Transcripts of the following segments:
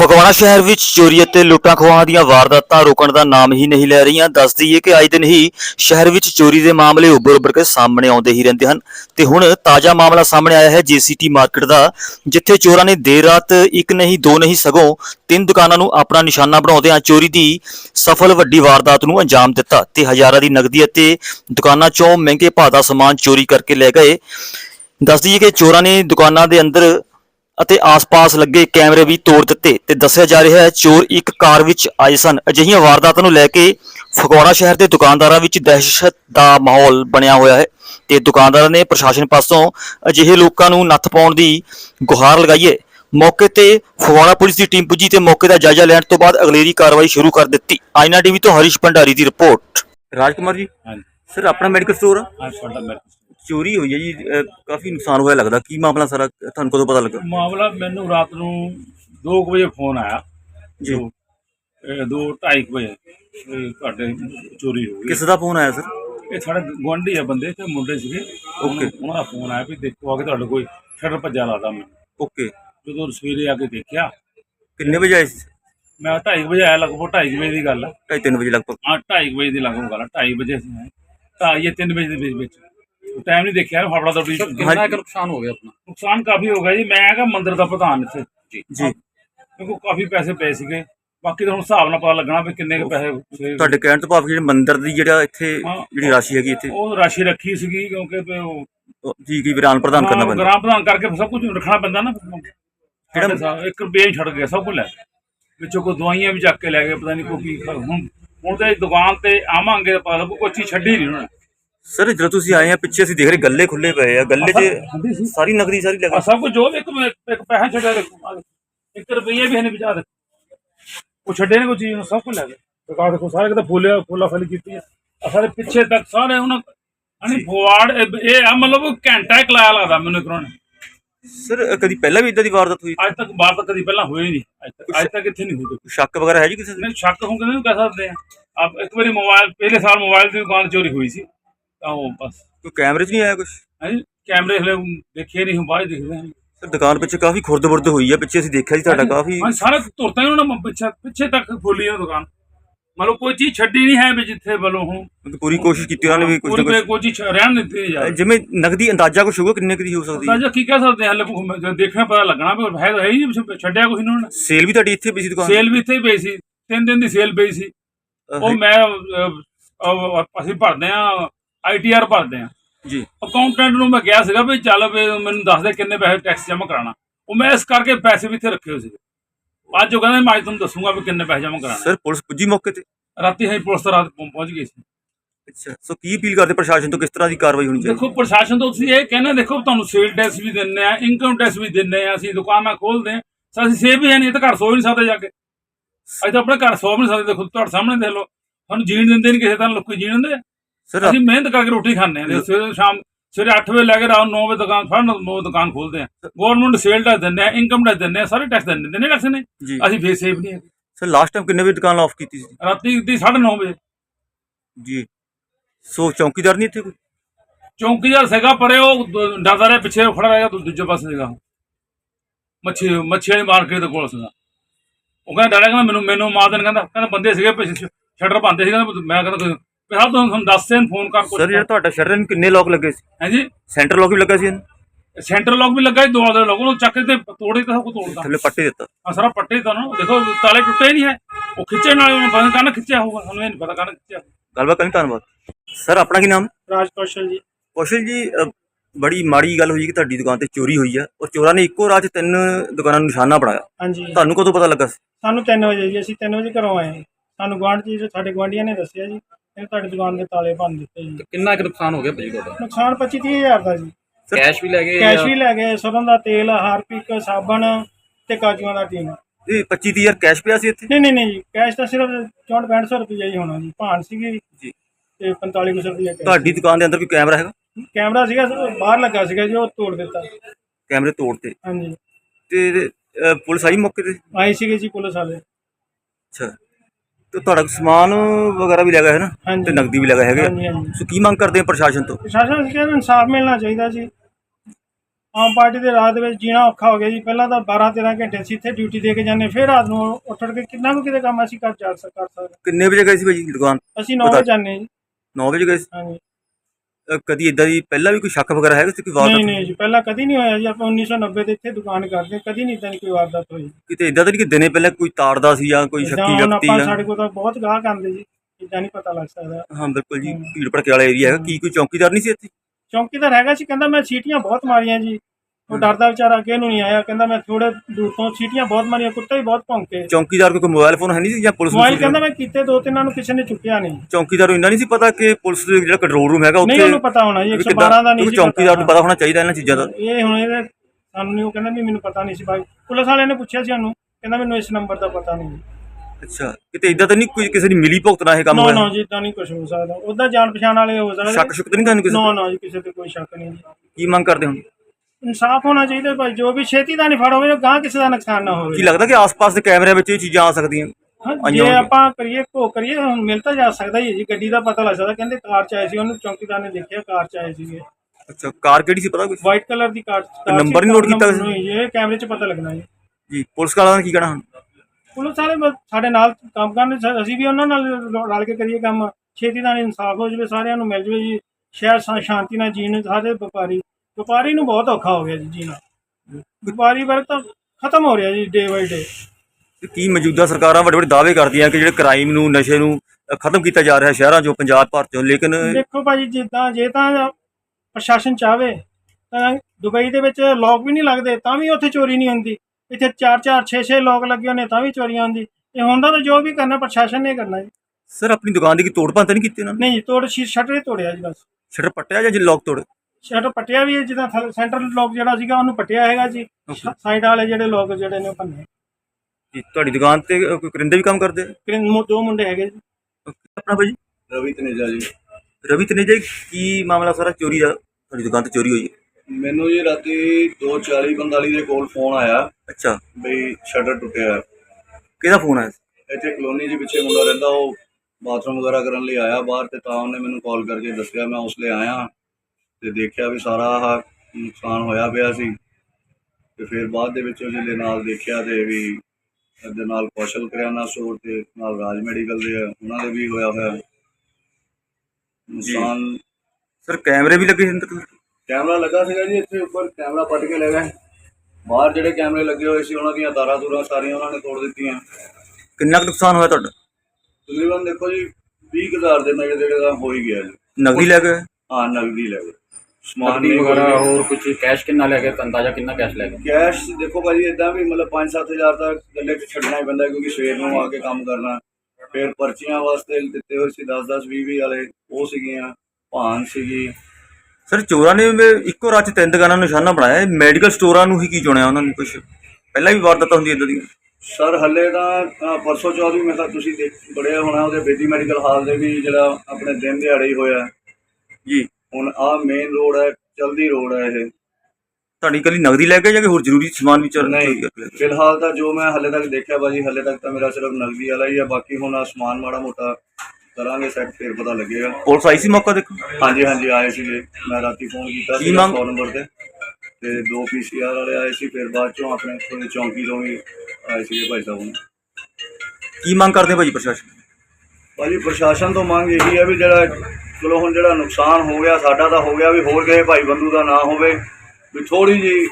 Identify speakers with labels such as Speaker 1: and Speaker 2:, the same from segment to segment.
Speaker 1: ਫਗਵਾੜਾ ਸ਼ਹਿਰ ਵਿੱਚ ਚੋਰੀ ਅਤੇ ਲੁੱਟਾਂ ਖੋਹਾਂ ਦੀਆਂ ਵਾਰਦਾਤਾਂ ਰੁਕਣ ਦਾ ਨਾਮ ਹੀ ਨਹੀਂ ਲੈ ਰਹੀਆਂ। ਦੱਸ ਦਈਏ ਕਿ ਅੱਜ ਦਿਨ ਹੀ ਸ਼ਹਿਰ ਵਿੱਚ ਚੋਰੀ ਦੇ ਮਾਮਲੇ ਉੱਭਰ ਕੇ ਸਾਹਮਣੇ ਆਉਂਦੇ ਹੀ ਰਹਿੰਦੇ ਹਨ ਤੇ ਹੁਣ ਤਾਜ਼ਾ ਮਾਮਲਾ ਸਾਹਮਣੇ ਆਇਆ ਹੈ ਜੀਸੀਟੀ ਮਾਰਕੀਟ ਦਾ, ਜਿੱਥੇ ਚੋਰਾਂ ਨੇ ਦੇਰ ਰਾਤ ਇੱਕ ਨਹੀਂ ਦੋ ਨਹੀਂ ਸਗੋਂ 3 ਦੁਕਾਨਾਂ ਨੂੰ ਆਪਣਾ ਨਿਸ਼ਾਨਾ ਬਣਾਉਂਦਿਆਂ ਚੋਰੀ ਦੀ ਸਫਲ ਵੱਡੀ ਵਾਰਦਾਤ ਨੂੰ ਅੰਜਾਮ ਦਿੱਤਾ ਤੇ ਹਜ਼ਾਰਾਂ ਦੀ ਨਕਦੀ ਅਤੇ ਦੁਕਾਨਾਂ ਚੋਂ ਮਹਿੰਗੇ ਭਾਅ ਦਾ ਸਮਾਨ ਚੋਰੀ ਕਰਕੇ ਲੈ ਗਏ। ਦੱਸ ਦਈਏ ਕਿ ਚੋਰਾਂ ਨੇ ਦੁਕਾਨਾਂ ਦੇ ਅੰਦਰ ਅਤੇ ਆਸ-ਪਾਸ ਲੱਗੇ ਕੈਮਰੇ ਵੀ ਤੋੜ ਦਿੱਤੇ ਤੇ ਦੱਸਿਆ ਜਾ ਰਿਹਾ ਹੈ ਚੋਰ ਇੱਕ ਕਾਰ ਵਿੱਚ ਆਏ ਸਨ। ਅਜਿਹੀਆਂ ਵਾਰਦਾਤਾਂ ਨੂੰ ਲੈ ਕੇ ਫਗਵਾੜਾ ਸ਼ਹਿਰ ਦੇ ਦੁਕਾਨਦਾਰਾਂ ਵਿੱਚ ਦਹਿਸ਼ਤ ਦਾ ਮਾਹੌਲ ਬਣਿਆ ਹੋਇਆ ਹੈ ਤੇ ਦੁਕਾਨਦਾਰਾਂ ਨੇ ਪ੍ਰਸ਼ਾਸਨ ਪਾਸੋਂ ਅਜਿਹੇ ਲੋਕਾਂ ਨੂੰ ਨੱਥ ਪਾਉਣ ਦੀ ਗੁਹਾਰ ਲਗਾਈ ਹੈ। ਮੌਕੇ ਤੇ ਫਗਵਾੜਾ ਪੁਲਿਸ ਦੀ ਟੀਮ ਪੁੱਜੀ ਤੇ ਮੌਕੇ ਦਾ ਜਾਇਜ਼ਾ ਲੈਣ ਤੋਂ ਬਾਅਦ ਅਗਲੇਰੀ ਕਾਰਵਾਈ ਸ਼ੁਰੂ ਕਰ ਦਿੱਤੀ। ਆਈਨਾ ਟੀਵੀ ਤੋਂ ਹਰੀਸ਼ ਭੰਡਾਰੀ ਦੀ ਰਿਪੋर्ट।
Speaker 2: राजकुमार जी, सर अपना मेडिकल स्टोर है, चोरी हुई है जी, काफ़ी नुकसान होया लगता। की मामला सारा थानू कदों पता लगा?
Speaker 3: मामला मैनू रात नूं 2 बजे फोन आया
Speaker 2: जी।
Speaker 3: 2:30 बजे ਤੁਹਾਡੇ चोरी हो गई।
Speaker 2: किस दा फोन आया सर?
Speaker 3: ਇਹ ਸਾਡੇ ਗੁਆਂਢੀ ਆ ਬੰਦੇ ਤੇ ਮੁੰਡੇ ਸੀਗੇ।
Speaker 2: ओके
Speaker 3: ਉਹਨਾਂ ਦਾ ਫੋਨ ਆਇਆ ਵੀ ਦੇਖੋ ਆ ਕੇ ਤੁਹਾਡੇ ਕੋਈ ਸ਼ਟਰ ਭੱਜਾ ਲਾਦਾ ਮੈਨੂੰ।
Speaker 2: ओके,
Speaker 3: ਜਦੋਂ ਸਵੇਰੇ ਆ ਕੇ ਦੇਖਿਆ
Speaker 2: किन्ने बजे आए?
Speaker 3: ਮੈਂ 2:30 ਵਜੇ ਆਇਆ, ਲਗਭਗ 2:30 ਵਜੇ ਦੀ ਗੱਲ ਆ।
Speaker 2: 2:30-3 बजे लगभग।
Speaker 3: ਹਾਂ 2:30 ਵਜੇ ਦੀ ਲਗਭਗ ਗੱਲ ਆ। 2:30 ਵਜੇ ਅਸੀਂ ਆਏ, 2:30 ਜਾਂ 3 ਵਜੇ ਦੇ ਵਿੱਚ ਟਾਈਮ ਨਹੀਂ ਦੇਖਿਆ। ਫਾਫੜਾ ਦੌੜੀ
Speaker 4: ਕਿੰਨਾ ਕੁ ਨੁਕਸਾਨ ਹੋ ਗਿਆ ਆਪਣਾ?
Speaker 3: ਨੁਕਸਾਨ ਕਾਫੀ ਹੋ ਗਿਆ ਜੀ। ਮੈਂ ਹੈਗਾ ਮੰਦਿਰ ਦਾ ਪ੍ਰਧਾਨ ਇੱਥੇ
Speaker 2: जी।
Speaker 3: ਕਿਉਂਕਿ ਕਾਫੀ ਪੈਸੇ ਪਏ ਸੀਗੇ। ਬਾਕੀ ਤਾਂ ਹੁਣ ਹਿਸਾਬ ਨਾਲ ਪਤਾ ਲੱਗਣਾ ਵੀ ਕਿੰਨੇ ਕੁ ਪੈਸੇ ਸੀਗੇ।
Speaker 2: ਤੁਹਾਡੇ ਕਹਿਣ ਤੋਂ ਭਾਵ ਜਿਹੜੇ ਮੰਦਿਰ ਦੀ ਜਿਹੜਾ ਇੱਥੇ
Speaker 3: ਹਾਂ।
Speaker 2: ਜਿਹੜੀ ਰਾਸ਼ੀ ਹੈਗੀ ਇੱਥੇ
Speaker 3: ਉਹ ਰਾਸ਼ੀ ਰੱਖੀ ਸੀਗੀ ਕਿਉਂਕਿ ਵੀ ਉਹ
Speaker 2: ਜੀ ਕੀ ਵਿਰਾਨ ਪ੍ਰਦਾਨ ਕਰਨਾ ਪੈਂਦਾ।
Speaker 3: ਗ੍ਰਾਮ ਪ੍ਰਧਾਨ ਕਰਕੇ ਸਭ ਕੁਝ ਰੱਖਣਾ ਪੈਂਦਾ ਨਾ। ਕਿਹੜਾ 1 ਰੁਪਏ ਹੀ ਛੱਡ ਗਿਆ, ਸਭ ਕੁਝ ਲੈ ਗਏ। ਵਿੱਚੋਂ ਕੋਈ ਦਵਾਈਆਂ ਵੀ ਚੱਕ ਕੇ ਲੈ ਗਏ, ਪਤਾ ਨਹੀਂ ਕੋਈ ਕੀ। ਹੁਣ ਤੇ ਦੁਕਾਨ ਤੇ ਆਵਾਂਗੇ ਪਤਾ ਲੱਗੂ ਕੋਈ ਚੀਜ਼ ਛੱਡੀ ਨਹੀਂ ਉਹਨਾਂ ਨੇ।
Speaker 2: ਸਰ ਜਦੋਂ ਤੁਸੀਂ ਆਏ ਆ ਪਿੱਛੇ ਅਸੀਂ ਦੇਖ ਰਹੇ ਗੱਲੇ ਖੁੱਲੇ ਪਏ ਆ, ਗੱਲੇ 'ਚ ਸਾਰੀ ਨਕਦੀ ਸਾਰੀ ਲੱਗੀ।
Speaker 3: ਸਭ ਕੁਝ ਜੋ ਵੀ ਇੱਕ ਪੈਸਾ ਛੱਡਿਆ ਦੇਖੋ, 1 ਰੁਪਈਆ ਵੀ ਹੈ ਨਹੀਂ ਵਿਚਾਰ ਉਹ ਛੱਡੇ ਨੇ ਕੋਈ ਚੀਜ਼, ਸਭ ਕੁਝ ਲੈ ਗਏ। ਦੁਕਾਨ ਦੇਖੋ ਸਾਰੇ ਕਿਤੇ ਫੁੱਲਾ ਫਲੀ ਕੀਤੀ ਆ ਸਾਰੇ ਪਿੱਛੇ ਤੱਕ ਸਾਰੇ ਉਹਨਾਂ ਫੁਆੜ। ਇਹ ਆ ਮਤਲਬ ਘੰਟਾ ਇੱਕ ਲਾਇਆ ਲੱਗਦਾ ਮੈਨੂੰ ਕਰੋਨੇ।
Speaker 2: ਸਰ ਕਦੀ ਪਹਿਲਾਂ ਵੀ ਇਦਾਂ ਦੀ ਵਾਰਦਾਤ ਹੋਈ?
Speaker 3: ਅੱਜ ਤੱਕ ਵਾਰਦਾਤ ਕਦੀ ਪਹਿਲਾਂ ਹੋਈ ਨਹੀਂ। ਅੱਜ ਤੱਕ ਇੱਥੇ ਨਹੀਂ ਹੋਈ।
Speaker 2: ਸ਼ੱਕ ਵਗੈਰਾ ਹੈ ਜੀ ਕਿਸੇ ਦੇ?
Speaker 3: ਨਹੀਂ ਸ਼ੱਕ ਹੋਊਗਾ ਨਹੀਂ ਕਹਿ ਸਕਦੇ ਆ। ਆਪ ਇੱਕ ਵਾਰੀ ਮੋਬਾਈਲ ਪਹਿਲੇ ਸਾਲ ਮੋਬਾਈਲ ਦੀ ਦੁਕਾਨ ਚੋਰੀ ਹੋਈ ਸੀ ਤਾਂ ਉਹ ਬਸ।
Speaker 2: ਕੋਈ ਕੈਮਰੇ 'ਚ ਨਹੀਂ ਆਇਆ ਕੁਝ?
Speaker 3: ਹਾਂਜੀ ਕੈਮਰੇ ਹਲੇ ਦੇਖੇ ਨਹੀਂ, ਹੁਣ ਬਾਅਦ ਦੇਖਦੇ ਹਾਂ।
Speaker 2: ਸਰ ਦੁਕਾਨ ਪਿੱਛੇ ਕਾਫੀ ਖੁਰਦ-ਬੁਰਦ ਹੋਈ ਆ, ਪਿੱਛੇ ਅਸੀਂ ਦੇਖਿਆ ਜੀ ਤੁਹਾਡਾ ਕਾਫੀ।
Speaker 3: ਹਾਂ ਸਾਰੇ ਤੁਰਤਾ ਹੀ ਉਹਨਾਂ ਨੇ ਪਿੱਛੇ ਤੱਕ ਖੋਲੀ ਉਹ ਦੁਕਾਨ। ਮਤਲਬ ਕੋਈ ਚੀਜ਼ ਛੱਡੀ ਨਹੀਂ ਹੈ ਵੀ ਜਿੱਥੇ ਵੱਲੋਂ ਹੁਣ
Speaker 2: ਪੂਰੀ ਕੋਸ਼ਿਸ਼ ਕੀਤੀ ਉਹਨਾਂ ਨੇ ਵੀ ਕੁਝ ਨਾ ਕੁਝ।
Speaker 3: ਕੋਈ ਚੀਜ਼ ਰਹਿਣ ਨਹੀਂ ਦਿੱਤੀ ਯਾਰ।
Speaker 2: ਜਿਵੇਂ ਨਕਦੀ ਅੰਦਾਜ਼ਾ ਕੁਛ ਹੋਊਗਾ ਕਿੰਨੇ ਦੀ ਹੋ ਸਕਦੀ ਹੈ?
Speaker 3: ਅੰਦਾਜ਼ਾ ਕੀ ਕਹਿ ਸਕਦੇ ਹਾਂ, ਹਲੇ ਦੇਖਣਾ ਪਤਾ ਲੱਗਣਾ ਵੀ ਹੈ ਤਾਂ ਹੈ ਹੀ ਨਹੀਂ, ਛੱਡਿਆ ਕੁਛ ਨਹੀਂ ਉਹਨਾਂ ਨੇ।
Speaker 2: ਸੇਲ ਵੀ ਤੁਹਾਡੀ ਇੱਥੇ ਪਈ ਸੀ ਦੁਕਾਨ?
Speaker 3: ਸੇਲ ਵੀ ਇੱਥੇ ਹੀ ਪਈ ਸੀ, 3 ਦਿਨ ਦੀ ਸੇਲ ਪਈ ਸੀ। ਉਹ ਮੈਂ ਅਸੀਂ ਭਰਦੇ ਆ ITR ਭਰਦੇ ਆ
Speaker 2: ਜੀ।
Speaker 3: ਅਕਾਊਂਟੈਂਟ ਨੂੰ ਮੈਂ ਕਿਹਾ ਸੀਗਾ ਵੀ ਚੱਲ ਵੀ ਮੈਨੂੰ ਦੱਸ ਦੇ ਕਿੰਨੇ ਪੈਸੇ ਟੈਕਸ ਜਮ੍ਹਾਂ ਕਰਾਉਣਾ। ਉਹ ਮੈਂ ਇਸ ਕਰਕੇ ਪੈਸੇ ਵੀ ਇੱਥੇ ਰੱਖੇ ਹੋਏ ਸੀਗੇ। ਅੱਜ ਉਹ ਕਹਿੰਦੇ ਮੈਂ ਅੱਜ ਤੁਹਾਨੂੰ ਦੱਸੂਗਾ ਵੀ ਕਿੰਨੇ ਪੈਸੇ ਜਮ੍ਹਾਂ ਕਰਾਉਣਾ।
Speaker 2: ਸਰ ਪੁਲਿਸ ਪੁੱਜੀ ਮੌਕੇ ਤੇ?
Speaker 3: ਰਾਤੀ ਅਸੀਂ ਪੁਲਿਸ ਤਾਂ ਰਾਤ ਪਹੁੰਚ ਗਈ ਸੀ।
Speaker 2: ਅੱਛਾ, ਸੋ ਕੀ ਅਪੀਲ ਕਰਦੇ ਪ੍ਰਸ਼ਾਸਨ ਤੋਂ, ਕਿਸ ਤਰ੍ਹਾਂ ਦੀ ਕਾਰਵਾਈ ਹੋਣੀ ਚਾਹੀਦੀ?
Speaker 3: ਦੇਖੋ ਪ੍ਰਸ਼ਾਸਨ ਤੋਂ ਤੁਸੀਂ ਇਹ ਕਹਿੰਦੇ ਦੇਖੋ ਤੁਹਾਨੂੰ ਸੇਲ ਟੈਕਸ ਵੀ ਦਿੰਦੇ ਆ, ਇਨਕਮ ਟੈਕਸ ਵੀ ਦਿੰਦੇ ਆ, ਅਸੀਂ ਦੁਕਾਨਾਂ ਖੋਲਦੇ ਆ, ਅਸੀਂ ਸੇਵ ਵੀ ਹੈ ਨਹੀਂ। ਇਹ ਤਾਂ ਘਰ ਸੋ ਵੀ ਨਹੀਂ ਸਕਦੇ ਜਾ ਕੇ। ਅਸੀਂ ਤਾਂ ਆਪਣੇ ਘਰ ਸੋ ਵੀ ਨਹੀਂ ਸਕਦੇ। ਦੇਖੋ ਤੁਹਾਡੇ ਸਾਹਮਣੇ ਦੇਖ ਲਓ, ਸਾਨੂੰ ਜੀਣ ਦਿੰਦੇ ਨਹੀਂ ਕਿਸੇ ਤਰ੍ਹਾਂ। ਲੋਕੀ ਜੀਣ ਦਿੰਦੇ
Speaker 2: ਸਰ
Speaker 3: ਅਸੀਂ ਮਿਹਨਤ ਕਰਕੇ ਰੋਟੀ ਖਾਂਦੇ ਆ। ਸਵੇਰੇ 8 ਵਜੇ ਲੈ ਕੇ ਰਾਤ 9 ਵਜੇ ਦੁਕਾਨ ਫੜਨ 9 ਦੁਕਾਨ ਖੋਲਦੇ ਆ। ਗਵਰਨਮੈਂਟ ਸੇਲ ਟੈਕਸ ਦਿੰਦੇ ਆ, ਇਨਕਮ ਟੈਕਸ ਦਿੰਦੇ ਆ, ਸਾਰੇ ਟੈਕਸ ਦਿੰਦੇ ਨੇ ਟੈਕਸ ਨੇ। ਅਸੀਂ ਫੇਰ ਸੇਫ ਨਹੀਂ ਹੈਗੇ।
Speaker 2: ਸਰ ਲਾਸਟ ਟਾਈਮ ਕਿੰਨੇ ਵਜੇ ਦੁਕਾਨ ਆਫ ਕੀਤੀ ਸੀ?
Speaker 3: ਰਾਤੀ 9:30 ਵਜੇ
Speaker 2: ਜੀ। ਸੋ ਚੌਕੀਦਾਰ ਨਹੀਂ ਇੱਥੇ ਕੋਈ?
Speaker 3: ਚੌਂਕੀਦਾਰ ਸੀਗਾ ਪਰ ਉਹ ਡਰਦਾ ਰਿਹਾ, ਪਿੱਛੇ ਖੜਾ ਰਹਿ ਗਿਆ, ਦੂਜੇ ਪਾਸੇ ਸੀਗਾ। ਮੱਛੀ ਵਾਲੀ ਮਾਰਕੀਟ ਦੇ ਕੋਲ ਸੀਗਾ। ਉਹ ਕਹਿੰਦਾ ਡਰਿਆ, ਕਹਿੰਦਾ ਮੈਨੂੰ ਮਾਰ ਦੇਣ। ਕਹਿੰਦਾ ਬੰਦੇ ਸੀਗੇ ਪਿੱਛੇ ਸ਼ਟਰ ਪਾਉਂਦੇ ਸੀ। ਮੈਂ ਕਹਿੰਦਾ ਸਾਹਿਬ ਤੁਹਾਨੂੰ ਦੱਸ ਦੇਣ ਫੋਨ ਕਰ।
Speaker 2: ਸਰ ਜਿਹੜਾ ਤੁਹਾਡਾ ਸ਼ਟਰ ਨੂੰ ਕਿੰਨੇ ਲੋਕ ਲੱਗੇ ਸੀ?
Speaker 3: ਹਾਂਜੀ
Speaker 2: ਸੈਂਟਰ ਲੋਕ ਵੀ ਲੱਗਾ ਸੀ?
Speaker 3: ਸੈਂਟਰ ਲੋਕ ਵੀ ਲੱਗਾ ਸੀ, ਦੋ ਦੇ ਲੋਕ ਉਹਨੂੰ ਚੱਕ ਕੇ ਤੋੜੇ ਤਾਂ ਸਭ ਕੁਝ ਤੋੜਦਾ।
Speaker 2: ਥੱਲੇ ਪੱਟੇ ਦਿੱਤਾ?
Speaker 3: ਹਾਂ ਸਾਰਾ ਪੱਟੇ ਤਾਂ ਨਾ ਦੇਖੋ ਤਾਲੇ ਟੁੱਟੇ ਹੀ ਨਹੀਂ ਹੈ। ਉਹ ਖਿੱਚੇ ਨਾਲ ਉਹਨੂੰ ਪਤਾ ਕੰਨ ਖਿੱਚਿਆ ਹੋਊਗਾ, ਸਾਨੂੰ ਇਹ ਨਹੀਂ ਪਤਾ ਕੰਨ ਖਿੱਚਿਆ।
Speaker 2: ਗੱਲਬਾਤ ਕਰਨੀ, ਧੰਨਵਾਦ। ਸਰ ਆਪਣਾ ਕੀ ਨਾਮ?
Speaker 4: ਰਾਜ ਕੌਸ਼ਲ ਜੀ।
Speaker 2: ਕੌਸ਼ਲ ਜੀ, ਬੜੀ ਮਾੜੀ ਗੱਲ ਹੋਈ ਕਿ ਤੁਹਾਡੀ ਦੁਕਾਨ ਤੇ ਚੋਰੀ ਹੋਈ ਆ ਔਰ ਚੋਰਾਂ ਨੇ ਇੱਕੋ ਰਾਤ 'ਚ 3 ਦੁਕਾਨਾਂ ਨੂੰ ਨਿਸ਼ਾਨਾ ਬਣਾਇਆ।
Speaker 4: ਹਾਂਜੀ
Speaker 2: ਤੁਹਾਨੂੰ ਕਦੋਂ ਪਤਾ ਲੱਗਾ ਸੀ?
Speaker 4: ਸਾਨੂੰ 3 ਵਜੇ ਜੀ, ਅਸੀਂ 3 ਵਜੇ ਘਰੋਂ ਆਏ। ਸਾਨੂੰ ਗੁਆਂਢ ਜੀ ਸਾਡੇ ਗੁਆਂਢੀਆਂ ਨੇ ਦੱਸਿਆ ਜੀ ਇਹ ਤੁਹਾਡੀ ਦੁਕਾਨ ਦੇ ਤਾਲੇ ਭੰਨ ਦਿੱਤੇ ਜੀ।
Speaker 5: ਕਿੰਨਾ ਕੁ ਨੁਕਸਾਨ ਹੋ ਗਿਆ ਭਾਜੀ ਤੁਹਾਡਾ?
Speaker 4: ਨੁਕਸਾਨ 25-30 ਹਜ਼ਾਰ ਦਾ ਜੀ।
Speaker 5: ਕੈਸ਼ ਵੀ ਲੈ ਗਏ?
Speaker 4: ਕੈਸ਼ ਵੀ ਲੈ ਗਏ, ਸਰੋਂ ਦਾ ਤੇਲ, ਹਾਰਪਿਕ, ਸਾਬਣ ਤੇ ਕਾਜੂਆਂ ਦਾ ਟੀਨ।
Speaker 2: ਇਹ 25-30 ਹਜ਼ਾਰ ਕੈਸ਼ ਪਿਆ ਸੀ ਇੱਥੇ?
Speaker 4: ਨਹੀਂ ਜੀ, ਕੈਸ਼ ਤਾਂ ਸਿਰਫ 64-6500 ਰੁਪਈਆ ਹੀ ਹੋਣਾ ਜੀ। ਭਾਨ ਸੀਗੀ
Speaker 2: ਜੀ
Speaker 4: ਤੇ 4500 ਰੁਪਈਆ ਕੈਸ਼।
Speaker 2: ਤੁਹਾਡੀ ਦੁਕਾਨ ਦੇ ਅੰਦਰ ਕੋਈ ਕੈਮਰਾ ਹੈਗਾ?
Speaker 4: ਕੈਮਰਾ ਸੀਗਾ ਬਾਹਰ ਲੱਗਾ ਸੀਗਾ ਜੀ, ਉਹ ਤੋੜ ਦਿੱਤਾ।
Speaker 2: ਕੈਮਰੇ ਤੋੜਤੇ?
Speaker 4: ਹਾਂਜੀ।
Speaker 2: ਤੇ ਪੁਲਿਸ ਆਈ ਮੌਕੇ ਤੇ?
Speaker 4: ਆਏ ਸੀਗੇ ਜੀ ਪੁਲਿਸ ਵਾਲੇ।
Speaker 2: ਅੱਛਾ, ਤੇ ਤੁਹਾਡਾ ਸਮਾਨ ਵਗੈਰਾ ਵੀ ਲੱਗਾ ਹੈ ਨਾ?
Speaker 4: ਹਾਂਜੀ।
Speaker 2: ਤੇ ਨਕਦੀ ਵੀ ਲੱਗਾ ਹੈਗਾ।
Speaker 4: ਹਾਂਜੀ।
Speaker 2: ਸੋ ਕੀ ਮੰਗ ਕਰਦੇ ਆ ਪ੍ਰਸ਼ਾਸਨ ਤੋਂ?
Speaker 4: ਪ੍ਰਸ਼ਾਸਨ ਨੂੰ ਕਹਿੰਦਾ ਇਨਸਾਫ ਮਿਲਣਾ ਚਾਹੀਦਾ ਜੀ। ਆਮ ਪਾਰਟੀ ਦੇ ਰਾਜ ਦੇ ਵਿੱਚ ਜੀਣਾ ਔਖਾ ਹੋ ਗਿਆ ਜੀ। ਪਹਿਲਾਂ ਤਾਂ 12-13 ਘੰਟੇ ਅਸੀਂ ਇੱਥੇ ਡਿਊਟੀ ਦੇ ਕੇ ਜਾਂਦੇ, ਫਿਰ ਰਾਤ ਨੂੰ ਉੱਠ ਕੇ ਕਿੰਨਾ ਕੁ ਕਿਤੇ ਕੰਮ ਅਸੀਂ ਕਰ ਸਕਦੇ।
Speaker 2: ਕਿੰਨੇ ਵਜੇ ਗਏ ਸੀ ਭਾਜੀ ਦੁਕਾਨ?
Speaker 4: ਅਸੀਂ 9 ਵਜੇ ਜਾਂਦੇ ਜੀ।
Speaker 2: 9 ਵਜੇ ਗਏ ਸੀ।
Speaker 4: ਹਾਂਜੀ।
Speaker 2: ਕਦੀ ਇਦਾਂ ਦੀ ਪਹਿਲਾਂ ਵੀ ਕੋਈ ਸ਼ੱਕ ਵਗੈਰਾ ਹੈ ਕਿਸੇ ਕੋਈ
Speaker 4: ਨਹੀਂ
Speaker 2: ਵਾਰਦਾਤ?
Speaker 4: ਨਹੀਂ ਜੀ, ਪਹਿਲਾਂ ਕਦੀ ਨਹੀਂ ਹੋਇਆ ਜੀ। ਆਪਾਂ 1990 ਦੇ ਇੱਥੇ ਦੁਕਾਨ ਕਰਦੇ, ਕਦੀ ਨਹੀਂ ਇੱਦਾਂ ਦੀ ਕੋਈ ਵਾਰਦਾਤ ਹੋਈ।
Speaker 2: ਕਿਤੇ ਇਦਾਂ ਤਾਂ ਨਹੀਂ ਕਿ ਦਿਨੇ ਪਹਿਲਾਂ ਕੋਈ ਤਾੜਦਾ ਸੀ ਜਾਂ ਕੋਈ
Speaker 4: ਇੱਦਾਂ
Speaker 2: ਸ਼ੱਕੀ
Speaker 4: ਹੁਣ
Speaker 2: ਵਿਅਕਤੀ
Speaker 4: ਆਪਾਂ
Speaker 2: ਜਾਂ?
Speaker 4: ਸਾਡੇ ਕੋਲ ਤਾਂ ਬਹੁਤ ਗਾਹਕ ਆਉਂਦੇ ਜੀ, ਇੱਦਾਂ ਨਹੀਂ ਪਤਾ ਲੱਗ ਸਕਦਾ।
Speaker 2: ਹਾਂ ਬਿਲਕੁਲ ਜੀ, ਭੀੜ ਭੜਕੇ ਵਾਲਾ ਏਰੀਆ ਹੈਗਾ। ਕੀ ਕੋਈ ਚੌਕੀਦਾਰ ਨਹੀਂ ਸੀ ਇੱਥੇ?
Speaker 4: ਚੌਂਕੀਦਾਰ ਹੈਗਾ ਸੀ, ਕਹਿੰਦਾ ਮੈਂ ਸੀਟੀਆਂ ਬਹੁਤ ਮਾਰੀਆਂ ਜੀ। ਉਹ ਡਰਦਾ ਵਿਚਾਰਾ ਅੱਗੇ ਨੂੰ ਨਹੀਂ ਆਇਆ, ਕਹਿੰਦਾ ਮੈਂ ਥੋੜੇ ਦੂਰ ਤੋਂ ਸੀਟੀਆਂ ਬਹੁਤ ਮਾਰੀਆਂ, ਕੁੱਤੇ ਵੀ ਬਹੁਤ ਭੌਂਕੇ।
Speaker 2: ਚੌਕੀਦਾਰ ਕੋਲ ਕੋਈ ਮੋਬਾਈਲ ਫੋਨ ਹੈ ਨਹੀਂ ਸੀ ਜਾਂ ਪੁਲਿਸ ਨੂੰ?
Speaker 4: ਮੋਬਾਈਲ ਕਹਿੰਦਾ ਮੈਂ ਕੀਤੇ 2-3 ਨੂੰ, ਕਿਸੇ ਨੇ ਚੁੱਕਿਆ ਨਹੀਂ।
Speaker 2: ਚੌਕੀਦਾਰ ਨੂੰ ਇੰਨਾ ਨਹੀਂ ਸੀ ਪਤਾ ਕਿ ਪੁਲਿਸ ਦੇ ਜਿਹੜਾ ਕੰਟਰੋਲ ਰੂਮ ਹੈਗਾ
Speaker 4: ਨਹੀਂ
Speaker 2: ਉੱਥੇ?
Speaker 4: ਉਹਨੂੰ ਪਤਾ ਹੋਣਾ ਜੀ, 112 ਦਾ ਨਹੀਂ ਸੀ
Speaker 2: ਚੌਕੀਦਾਰ ਨੂੰ ਪਤਾ ਹੋਣਾ ਚਾਹੀਦਾ ਇਹਨਾਂ ਚੀਜ਼ਾਂ ਦਾ।
Speaker 4: ਇਹ ਹੁਣ ਇਹਦੇ ਸਾਨੂੰ ਨਹੀਂ, ਉਹ ਕਹਿੰਦਾ ਵੀ ਮੈਨੂੰ ਪਤਾ ਨਹੀਂ ਸੀ ਭਾਈ। ਪੁਲਿਸ ਵਾਲਿਆਂ ਨੇ ਪੁੱਛਿਆ ਸੀ ਉਹਨੂੰ, ਕਹਿੰਦਾ ਮੈਨੂੰ ਇਸ ਨੰਬਰ ਦਾ ਪਤਾ ਨਹੀਂ।
Speaker 2: ਅੱਛਾ, ਕਿਤੇ ਇਦਾਂ ਤਾਂ ਨਹੀਂ ਕੋਈ ਕਿਸੇ ਦੀ ਮਿਲੀ ਭੁਗਤ ਨਾਲ ਇਹ ਕੰਮ
Speaker 4: ਨਾ
Speaker 2: ਹੋਇਆ?
Speaker 4: ਨਾ ਜੀ, ਇਦਾਂ ਨਹੀਂ ਕੁਝ ਹੋ ਸਕਦਾ। ਉਹਦਾ ਜਾਣ ਪਛਾਣ ਵਾਲੇ ਹੋ ਸਕਦੇ।
Speaker 2: ਸ਼ੱਕ ਸ਼ੁਕ ਤਾਂ ਨਹੀਂ ਤੁਹਾਨੂੰ ਕਿਸੇ
Speaker 4: ਨਾ
Speaker 2: ਤੇ?
Speaker 4: ਨਾ ਜੀ, ਕਿਸੇ ਤੇ ਕੋਈ ਸ਼ੱਕ ਨਹੀਂ ਜੀ।
Speaker 2: ਕੀ ਮੰਗ ਕਰਦੇ ਹੁਣ?
Speaker 4: ਇਨਸਾਫ ਹੋਣਾ ਚਾਹੀਦਾ ਭਾਈ, ਜੋ ਵੀ ਛੇਤੀ ਦਾ ਨਿਫੜ ਹੋਵੇ, ਗਾਂ ਕਿਸੇ ਦਾ ਨੁਕਸਾਨ ਨਾ
Speaker 2: ਕੀ
Speaker 4: ਹੋਵੇ।
Speaker 2: ਲੱਗਦਾ ਕਿ ਆਸ-ਪਾਸ ਦੇ ਕੈਮਰਿਆਂ ਵਿੱਚ ਇਹ ਚੀਜ਼ਾਂ ਆ ਸਕਦੀਆਂ?
Speaker 4: ਹਾਂ, ਜੇ ਆਪਾਂ ਕਰੀਏ ਕਰੀਏ, ਹੁਣ ਮਿਲ ਤਾਂ ਜਾ ਸਕਦਾ ਹੀ ਹੈ ਜੀ। ਗੱਡੀ ਦਾ ਪਤਾ ਲੱਗ ਸਕਦਾ, ਕਹਿੰਦੇ ਕਾਰ ਚ ਆਏ ਸੀ, ਉਹਨੂੰ ਚੌਕੀਦਾਰ ਨੇ ਦੇਖਿਆ ਕਾਰ ਚ ਆਏ ਸੀਗੇ।
Speaker 2: ਅੱਛਾ, ਕਾਰ ਕਿਹੜੀ ਸੀ ਪਤਾ ਕੁਛ?
Speaker 4: ਵਾਈਟ ਕਲਰ ਦੀ ਕਾਰ
Speaker 2: ਨੰਬਰ ਨਹੀਂ ਨੋਟ ਕੀਤਾ ਕਿਸੇ?
Speaker 4: ਨਹੀਂ, ਇਹ ਕੈਮਰੇ 'ਚ ਪਤਾ ਲੱਗਣਾ ਜੀ।
Speaker 2: ਜੀ, ਪੁਲਿਸ ਵਾਲਿਆਂ ਦਾ ਕੀ ਕਹਿਣਾ ਹੁਣ?
Speaker 4: ਪੁਲਿਸ ਵਾਲੇ ਸਾਡੇ ਨਾਲ ਕੰਮ ਕਰਨ, ਅਸੀਂ ਵੀ ਉਹਨਾਂ ਨਾਲ ਰਲ ਕੇ ਕਰੀਏ ਕੰਮ। ਛੇਤੀ ਨਾਲ ਇਨਸਾਫ ਹੋ ਜਾਵੇ, ਸਾਰਿਆਂ ਨੂੰ ਮਿਲ ਜਾਵੇ ਜੀ। ਸ਼ਹਿਰ ਸ਼ਾਂਤੀ ਨਾਲ ਜੀਣ। ਸਾਰੇ ਵਪਾਰੀ ਨੂੰ ਬਹੁਤ ਔਖਾ ਹੋ ਗਿਆ ਜੀ ਜੀਣਾ। ਵਪਾਰੀ ਵਰਗ ਤਾਂ ਖਤਮ ਹੋ ਰਿਹਾ ਜੀ ਡੇ ਬਾਈ ਡੇ।
Speaker 2: ਕੀ ਮੌਜੂਦਾ ਸਰਕਾਰਾਂ ਵੱਡੇ ਵੱਡੇ ਦਾਅਵੇ ਕਰਦੀਆਂ ਕਿ ਜਿਹੜੇ ਕ੍ਰਾਈਮ ਨੂੰ, ਨਸ਼ੇ ਨੂੰ ਖਤਮ ਕੀਤਾ ਜਾ ਰਿਹਾ ਸ਼ਹਿਰਾਂ 'ਚੋਂ, ਪੰਜਾਬ ਭਰ 'ਚੋਂ, ਲੇਕਿਨ
Speaker 4: ਦੇਖੋ ਭਾਜੀ, ਜੇ ਤਾਂ ਪ੍ਰਸ਼ਾਸਨ ਚਾਹਵੇ ਤਾਂ ਦੁਬਈ ਦੇ ਵਿੱਚ ਲੋਕ ਵੀ ਨਹੀਂ ਲੱਗਦੇ, ਤਾਂ ਵੀ ਉੱਥੇ ਚੋਰੀ ਨਹੀਂ ਹੁੰਦੀ। ਇੱਥੇ 4-4 6-6 ਲੋਕ ਲੱਗੇ ਹੋਣੇ, ਤਾਂ ਵੀ ਚੋਰੀਆਂ ਹੁੰਦੀ। ਇਹ ਹੁੰਦਾ ਤਾਂ ਜੋ ਵੀ ਕਰਨਾ ਪ੍ਰਸ਼ਾਸਨ ਨੇ ਕਰਨਾ ਜੀ।
Speaker 2: ਸਰ ਆਪਣੀ ਦੁਕਾਨ ਦੀ ਕੀ ਤੋੜ ਭੰਨ ਤਾਂ ਨਹੀਂ ਕੀਤੀ ਇਹਨਾਂ ਨੇ?
Speaker 4: ਨਹੀਂ ਜੀ, ਸ਼ਟਰ ਹੀ ਤੋੜਿਆ ਜੀ ਬਸ।
Speaker 2: ਸ਼ਟਰ ਪੱਟਿਆ ਜਾਂ ਲੋਕ ਤੋੜੇ?
Speaker 4: ਸ਼ਟਰ ਪੱਟਿਆ ਵੀ ਹੈ, ਜਿੱਦਾਂ ਸੈਂਟਰਲ ਲੋਕ ਜਿਹੜਾ ਸੀਗਾ ਉਹਨੂੰ ਪੱਟਿਆ ਹੈਗਾ ਜੀ। ਸਾਈਡ ਵਾਲੇ ਜਿਹੜੇ ਲੋਕ ਜਿਹੜੇ ਨੇ ਉਹ ਭੰਨੇ।
Speaker 2: ਜੀ, ਤੁਹਾਡੀ ਦੁਕਾਨ ਤੇ ਕੋਈ ਕਰਿੰਦੇ ਵੀ ਕੰਮ ਕਰਦੇ ਆ?
Speaker 4: 2 ਮੁੰਡੇ ਹੈਗੇ ਜੀ।
Speaker 2: ਆਪਣਾ ਭਾਜੀ?
Speaker 6: ਰਵੀ ਤਨੇਜਾ ਜੀ।
Speaker 2: ਰਵੀ ਤਨੇਜਾ ਜੀ, ਕੀ ਮਾਮਲਾ ਸਾਰਾ ਚੋਰੀ ਦਾ? ਤੁਹਾਡੀ ਦੁਕਾਨ ਤੇ ਚੋਰੀ ਹੋਈ ਹੈ?
Speaker 6: ਮੈਨੂੰ ਜੀ ਰਾਤੀ 2:40-45 ਦੇ ਕੋਲ ਫੋਨ ਆਇਆ
Speaker 2: ਅੱਛਾ,
Speaker 6: ਬਈ ਸ਼ਟਰ ਟੁੱਟਿਆ।
Speaker 2: ਕਿਹਦਾ ਫੋਨ ਆਇਆ ਸੀ?
Speaker 6: ਇੱਥੇ ਕਲੋਨੀ ਦੇ ਪਿੱਛੇ ਮੁੰਡਾ ਰਹਿੰਦਾ, ਉਹ ਬਾਥਰੂਮ ਵਗੈਰਾ ਕਰਨ ਲਈ ਆਇਆ ਬਾਹਰ, ਤੇ ਤਾਂ ਉਹਨੇ ਮੈਨੂੰ ਕਾਲ ਕਰਕੇ ਦੱਸਿਆ। ਮੈਂ ਉਸ ਲਈ ਆਇਆ ਤੇ ਦੇਖਿਆ ਵੀ ਸਾਰਾ ਆਹ ਨੁਕਸਾਨ ਹੋਇਆ ਪਿਆ ਸੀ। ਤੇ ਫਿਰ ਬਾਅਦ ਦੇ ਵਿੱਚ ਜਿਹਦੇ ਨਾਲ ਦੇਖਿਆ ਤੇ ਵੀ ਇਹਦੇ ਨਾਲ ਕੌਸ਼ਲ ਕਰਿਆਨਾ ਸਟੋਰ ਤੇ ਨਾਲ ਰਾਜ ਮੈਡੀਕਲ ਦੇ ਉਹਨਾਂ ਦੇ ਵੀ ਹੋਇਆ ਨੁਕਸਾਨ।
Speaker 2: ਸਰ ਕੈਮਰੇ ਵੀ ਲੱਗੇ ਅੰਦਰ?
Speaker 6: ਕੈਮਰਾ ਲੱਗਾ ਸੀਗਾ ਜੀ, ਇੱਥੇ ਉੱਪਰ ਕੈਮਰਾ ਪੱਟ ਕੇ ਲੈ ਗਏ। ਬਾਹਰ ਜਿਹੜੇ ਕੈਮਰੇ ਲੱਗੇ ਹੋਏ ਸੀ ਉਹਨਾਂ ਦੀਆਂ ਤਾਰਾਂ ਤੂਰਾਂ ਸਾਰੀਆਂ ਉਹਨਾਂ ਨੇ ਤੋੜ ਦਿੱਤੀਆਂ।
Speaker 2: ਕਿੰਨਾ ਕੁ ਨੁਕਸਾਨ ਹੋਇਆ ਤੁਹਾਡਾ?
Speaker 6: ਤਕਰੀਬਨ ਦੇਖੋ ਜੀ 20,000 ਦੇ ਨੇੜੇ ਤੇੜੇ ਦਾ ਹੋ ਹੀ ਗਿਆ ਜੀ।
Speaker 2: ਨਗਦੀ ਲੈ ਗਏ?
Speaker 6: ਹਾਂ, ਨਗਦੀ ਲੈ ਗਏ। ਸਮਾਨ
Speaker 5: ਨਕਦੀ
Speaker 6: ਨਹੀਂ
Speaker 5: ਵਗੈਰਾ
Speaker 6: ਵਗੈਰਾ
Speaker 5: ਹੋਰ ਕੁਝ ਕੈਸ਼ ਕਿੰਨਾ ਲੈ ਗਏ? ਅੰਦਾਜ਼ਾ ਕਿੰਨਾ ਕੈਸ਼ ਲੈ ਗਏ?
Speaker 6: ਕੈਸ਼ ਦੇਖੋ ਭਾਜੀ, ਇਦਾਂ ਵੀ ਮਤਲਬ 5-7 ਹਜ਼ਾਰ ਤਾਂ ਗੱਲੇ 'ਚ ਛੱਡਣਾ ਹੀ ਪੈਂਦਾ, ਕਿਉਂਕਿ ਸਵੇਰ ਨੂੰ ਆ ਕੇ ਕੰਮ ਕਰਨਾ। ਫਿਰ ਪਰਚੀਆਂ ਵਾਸਤੇ ਦਿੱਤੇ ਹੋਏ ਸੀ 10-10, 20-20 ਵਾਲੇ, ਉਹ ਸੀਗੀਆਂ। ਭਾਨ ਸੀਗੀ।
Speaker 2: ਸਰ ਚੋਰਾਂ ਨੇ ਇੱਕੋ ਰਾਤ 'ਚ 3 ਦੁਕਾਨਾਂ ਨੂੰ ਨਿਸ਼ਾਨਾ ਬਣਾਇਆ। ਮੈਡੀਕਲ ਸਟੋਰਾਂ ਨੂੰ ਹੀ ਕੀ ਚੁਣਿਆ ਉਹਨਾਂ ਨੇ? ਕੁਛ ਪਹਿਲਾਂ ਵੀ ਵਾਰਦਾਤਾਂ ਹੁੰਦੀਆਂ ਇੱਦਾਂ ਦੀਆਂ?
Speaker 6: ਸਰ ਹੱਲੇ ਤਾਂ ਪਰਸੋਂ ਚੌਥ ਵੀ ਮੈਂ ਤਾਂ ਤੁਸੀਂ ਪੜ੍ਹਿਆ ਹੋਣਾ, ਉਹਦੇ ਬੇਦੀ ਮੈਡੀਕਲ ਹਾਲ ਦੇ ਵੀ ਜਿਹੜਾ ਆਪਣੇ ਦਿਨ ਦਿਹਾੜੇ ਹੀ ਹੋਇਆ
Speaker 2: ਜੀ।
Speaker 6: ਹੁਣ ਆਹ ਮੇਨ ਰੋਡ ਹੈ, ਚਲਦੀ ਰੋਡ ਹੈ ਇਹ।
Speaker 2: ਤੁਹਾਡੀ ਇਕੱਲੀ ਨਗਦੀ ਲੈ ਗਏ ਜਾਂ ਹੋਰ ਜ਼ਰੂਰੀ ਸਮਾਨ ਵੀ
Speaker 6: ਨਹੀਂ, ਫਿਲਹਾਲ ਤਾਂ ਜੋ ਮੈਂ ਹੱਲੇ ਤੱਕ ਦੇਖਿਆ ਭਾਜੀ, ਹੱਲੇ ਤੱਕ ਤਾਂ ਮੇਰਾ ਸਿਰਫ ਨਗਦੀ ਵਾਲਾ ਹੀ ਆ। ਬਾਕੀ ਹੁਣ ਆਸਮਾਨ ਮਾੜਾ ਮੋਟਾ ਕਰਾਂਗੇ ਸੈੱਟ, ਫਿਰ ਪਤਾ ਲੱਗੇਗਾ।
Speaker 2: ਪੁਲਿਸ ਆਈ ਸੀ ਮੌਕਾ ਦੇਖੋ?
Speaker 6: ਹਾਂਜੀ ਹਾਂਜੀ, ਆਏ ਸੀਗੇ। ਮੈਂ ਰਾਤੀ ਫੋਨ ਕੀਤਾ ਸੀ 100 ਨੰਬਰ ਤੇ 2 PCR ਵਾਲੇ ਆਏ ਸੀ। ਫਿਰ ਬਾਅਦ ਚੋਂ ਆਪਣੇ ਥੋੜੇ ਚੌਂਕੀ ਤੋਂ ਵੀ ਆਏ ਸੀਗੇ ਭਾਈ ਸਾਹਿਬ।
Speaker 2: ਕੀ ਮੰਗ ਕਰਦੇ ਭਾਜੀ ਪ੍ਰਸ਼ਾਸਨ?
Speaker 6: ਭਾਜੀ ਪ੍ਰਸ਼ਾਸਨ ਤੋਂ ਮੰਗ ਇਹੀ ਹੈ ਵੀ ਜਿਹੜਾ ਚਲੋ ਹੁਣ ਜਿਹੜਾ ਨੁਕਸਾਨ ਹੋ ਗਿਆ ਸਾਡਾ ਤਾਂ ਹੋ ਗਿਆ, ਵੀ ਹੋਰ ਕਿਸੇ ਭਾਈ ਬੰਦੂ ਦਾ ਨਾ ਹੋਵੇ, ਵੀ ਥੋੜੀ ਜੀ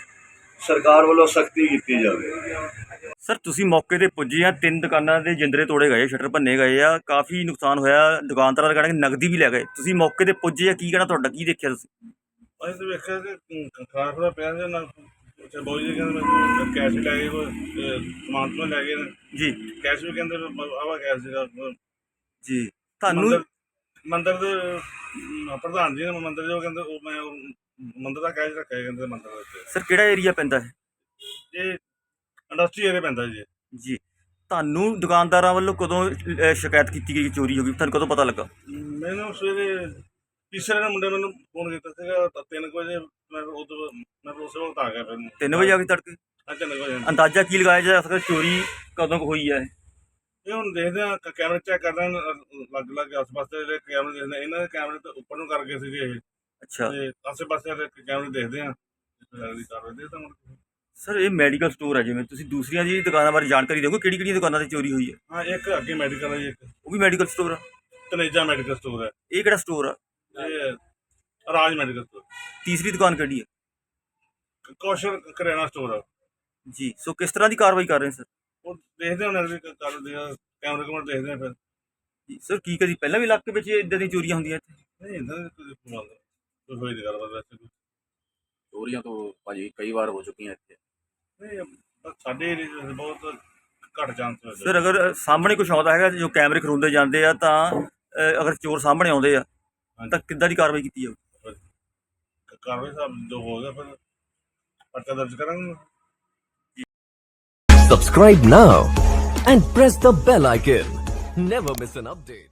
Speaker 6: ਸਰਕਾਰ ਵੱਲੋਂ ਸਖਤੀ ਕੀਤੀ ਜਾਵੇ।
Speaker 2: ਸਰ ਤੁਸੀਂ ਮੌਕੇ ਤੇ ਪੁੱਜੇ ਆ, 3 ਦੁਕਾਨਾਂ ਦੇ ਜਿੰਦਰੇ ਤੋੜੇ ਗਏ, ਸ਼ਟਰ ਭੰਨੇ ਗਏ ਆ, ਕਾਫੀ ਨੁਕਸਾਨ ਹੋਇਆ। ਦੁਕਾਨਦਾਰਾਂ ਦਾ ਕਹਿਣਾ ਕਿ ਨਗਦੀ ਵੀ ਲੈ ਗਏ। ਤੁਸੀਂ ਮੌਕੇ ਤੇ ਪੁੱਜੇ ਆ, ਕੀ ਕਹਿਣਾ ਤੁਹਾਡਾ? ਕੀ ਦੇਖਿਆ ਤੁਸੀਂ?
Speaker 7: ਅਸੀਂ ਤਾਂ ਵੇਖਿਆ ਕਿ ਖਾਣਾ ਖੁਣਾ ਪਿਆ ਸੀ ਨਾ। ਅੱਛਾ ਬੋਈ ਜੀ ਕਹਿੰਦੇ ਮੈਨੂੰ ਕੈਸ਼ ਲੈ ਗਏ, ਸਮਾਨ ਤੋਂ ਲੈ ਗਏ ਨੇ
Speaker 2: ਜੀ।
Speaker 7: ਕੈਸ਼ ਵੀ ਕਹਿੰਦੇ ਆਵਾ ਕੈਸ਼ ਸੀਗਾ
Speaker 2: ਜੀ। ਤੁਹਾਨੂੰ
Speaker 7: ਮੰਦਰ ਦੇ ਪ੍ਰਧਾਨ ਜੀ ਨੇ ਮੰਦਰ ਜੋ ਕਹਿੰਦੇ ਉਹ ਮੈਂ ਮੰਦਰ ਦਾ ਕੈਸ਼ ਰੱਖਿਆ ਕਹਿੰਦੇ ਮੰਦਰ ਦੇ ਵਿੱਚ।
Speaker 2: ਸਰ ਕਿਹੜਾ ਏਰੀਆ ਪੈਂਦਾ ਹੈ?
Speaker 7: ਇਹ ਇੰਡਸਟਰੀ ਏਰੀਆ ਪੈਂਦਾ ਜੀ।
Speaker 2: ਜੀ। ਤੁਹਾਨੂੰ ਦੁਕਾਨਦਾਰਾਂ ਵੱਲੋਂ ਕਦੋਂ ਸ਼ਿਕਾਇਤ ਕੀਤੀ ਗਈ ਕਿ ਚੋਰੀ ਹੋ ਗਈ? ਤੁਹਾਨੂੰ ਕਦੋਂ ਪਤਾ ਲੱਗਾ?
Speaker 7: ਮੈਨੂੰ ਸਵੇਰੇ ਤੀਸਰੇ ਨੇ ਮੁੰਡੇ ਮੈਨੂੰ ਫੋਨ ਕੀਤਾ ਸੀਗਾ 3 ਵਜੇ। ਮੈਂ ਉਸੇ ਵਕਤ ਆ ਗਿਆ। ਫਿਰ
Speaker 2: 3 ਵਜੇ ਆ ਕੇ ਤੜਕੇ?
Speaker 7: 3 ਵਜੇ।
Speaker 2: ਅੰਦਾਜ਼ਾ ਕੀ ਲਗਾਇਆ ਜਾ ਸਕਦਾ ਚੋਰੀ ਕਦੋਂ ਕੁ ਹੋਈ ਹੈ?
Speaker 7: ਇਹ ਹੁਣ ਦੇਖਦੇ ਆ, ਕੈਮਰੇ ਚੈੱਕ ਕਰਦੇ ਲੱਗ ਆਸ-ਪਾਸੇ ਜਿਹੜੇ ਕੈਮਰੇ ਦੇਖਦੇ। ਇਹਨਾਂ ਦੇ ਕੈਮਰੇ ਤਾਂ ਉੱਪਰ ਨੂੰ ਕਰਕੇ ਸੀਗੇ ਇਹ।
Speaker 2: ਅੱਛਾ।
Speaker 7: ਤੇ ਆਸੇ-ਪਾਸੇ ਦੇ ਕੈਮਰੇ ਦੇਖਦੇ ਆ ਦੀ ਕਾਰਵਾਈ ਦੇ ਤਾਂ
Speaker 2: ਸਰ ਇਹ ਮੈਡੀਕਲ ਸਟੋਰ ਹੈ, ਜਿਵੇਂ ਤੁਸੀਂ ਦੂਸਰੀਆਂ ਦੀ ਦੁਕਾਨਾਂ ਬਾਰੇ ਜਾਣਕਾਰੀ ਦਿਓਗੇ, ਕਿਹੜੀ ਕਿਹੜੀਆਂ ਦੁਕਾਨਾਂ ਤੇ ਚੋਰੀ ਹੋਈ ਹੈ?
Speaker 7: ਹਾਂ ਇੱਕ ਅੱਗੇ ਮੈਡੀਕਲ ਹੈ ਜੀ, ਇੱਕ
Speaker 2: ਉਹ ਵੀ ਮੈਡੀਕਲ ਸਟੋਰ ਆ?
Speaker 7: ਤਨੇਜਾ ਮੈਡੀਕਲ ਸਟੋਰ ਹੈ,
Speaker 2: ਇਹ ਕਿਹੜਾ ਸਟੋਰ ਆ?
Speaker 7: ਇਹ ਰਾਜ ਮੈਡੀਕਲ ਸਟੋਰ,
Speaker 2: ਤੀਸਰੀ ਦੁਕਾਨ ਕਿਹੜੀ ਹੈ?
Speaker 7: ਕੌਸ਼ਲ ਕਰਿਆਣਾ ਸਟੋਰ ਆ
Speaker 2: ਜੀ। ਸੋ ਕਿਸ ਤਰ੍ਹਾਂ ਦੀ ਕਾਰਵਾਈ ਕਰ ਰਹੇ ਸਰ?
Speaker 7: ਉਹ ਦੇਖਦੇ ਹੁਣ ਅਗਲੀ ਕਰਦੇ ਆ, ਕੈਮਰੇ ਕਮਰੇ ਦੇਖਦੇ ਆ ਫਿਰ।
Speaker 2: ਜੀ ਸਰ, ਕੀ ਕਦੀ ਪਹਿਲਾਂ ਵੀ ਇਲਾਕੇ ਵਿੱਚ ਇਦਾਂ ਦੀਆਂ ਚੋਰੀਆਂ ਹੁੰਦੀਆਂ ਇੱਥੇ?
Speaker 7: ਨਹੀਂ ਇੱਦਾਂ ਦੀ ਕੋਈ ਗੱਲ ਕੋਈ ਹੋਈ ਨਹੀਂ ਗੱਲਬਾਤ ਵੈਸੇ ਕੋਈ।
Speaker 5: ਚੋਰੀਆਂ ਤੋਂ ਭਾਜੀ ਕਈ ਵਾਰ ਹੋ ਚੁੱਕੀਆਂ ਇੱਥੇ।
Speaker 7: ਨਹੀਂ ਬਸ ਸਾਡੇ ਏਰੀਏ 'ਚ ਬਹੁਤ ਘੱਟ ਚਾਂਸ ਹੋਏ
Speaker 2: ਸਰ ਅਗਰ ਸਾਹਮਣੇ ਕੁਛ ਆਉਂਦਾ ਹੈਗਾ, ਜੋ ਕੈਮਰੇ ਖਰੁੰਦੇ ਜਾਂਦੇ ਆ, ਤਾਂ ਅਗਰ ਚੋਰ ਸਾਹਮਣੇ ਆਉਂਦੇ ਆ ਤਾਂ ਕਿੱਦਾਂ ਦੀ ਕਾਰਵਾਈ ਕੀਤੀ ਜਾਊ?
Speaker 7: ਕਾਰਵਾਈ ਸਾਹਿਬ ਜੋ ਹੋਗਾ ਫਿਰ ਪਰਚਾ ਦਰਜ ਕਰਾਂਗੇ।
Speaker 8: Subscribe now and press the bell icon. Never miss an update.